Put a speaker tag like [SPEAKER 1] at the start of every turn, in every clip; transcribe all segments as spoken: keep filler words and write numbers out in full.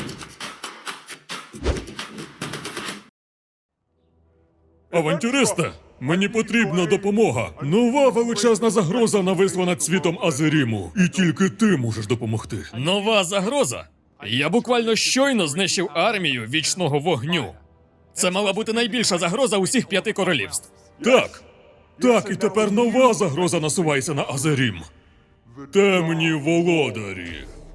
[SPEAKER 1] Авантюристе, мені потрібна допомога. Нова величезна загроза нависла над світом Азеріму. І тільки ти можеш допомогти.
[SPEAKER 2] Нова загроза? Я буквально щойно знищив армію вічного вогню. Це мала бути найбільша загроза усіх п'яти королівств.
[SPEAKER 1] Так. Так, і тепер нова загроза насувається на Азерім. Темні володарі.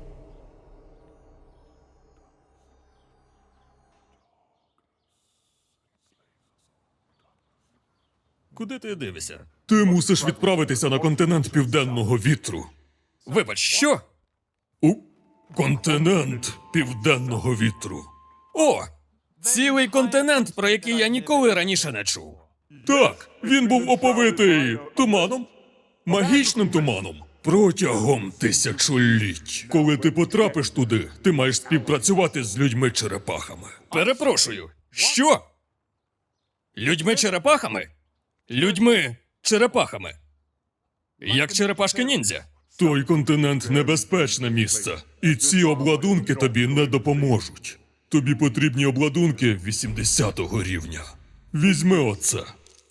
[SPEAKER 2] Куди ти дивишся?
[SPEAKER 1] Ти мусиш відправитися на континент Південного Вітру.
[SPEAKER 2] Вибач, що?
[SPEAKER 1] У континент Південного Вітру.
[SPEAKER 2] О! Цілий континент, про який я ніколи раніше не чув.
[SPEAKER 1] Так, він був оповитий туманом, магічним туманом. Протягом тисячоліть. Коли ти потрапиш туди, ти маєш співпрацювати з людьми-черепахами.
[SPEAKER 2] Перепрошую, що? Людьми-черепахами? Людьми-черепахами. Як черепашки-ніндзя.
[SPEAKER 1] Той континент небезпечне місце, і ці обладунки тобі не допоможуть. Тобі потрібні обладунки вісімдесятого рівня. Візьми оце.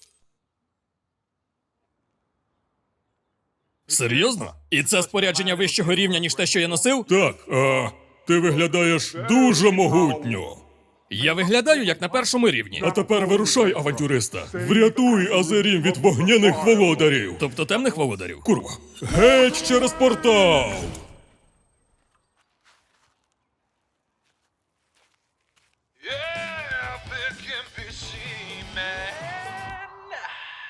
[SPEAKER 2] Серйозно? І це спорядження вищого рівня, ніж те, що я носив?
[SPEAKER 1] Так, а ти виглядаєш дуже могутньо.
[SPEAKER 2] Я виглядаю, як на першому рівні.
[SPEAKER 1] А тепер вирушай, авантюриста. Врятуй Азерім від вогняних володарів.
[SPEAKER 2] Тобто темних володарів?
[SPEAKER 1] Курва. Геть через портал!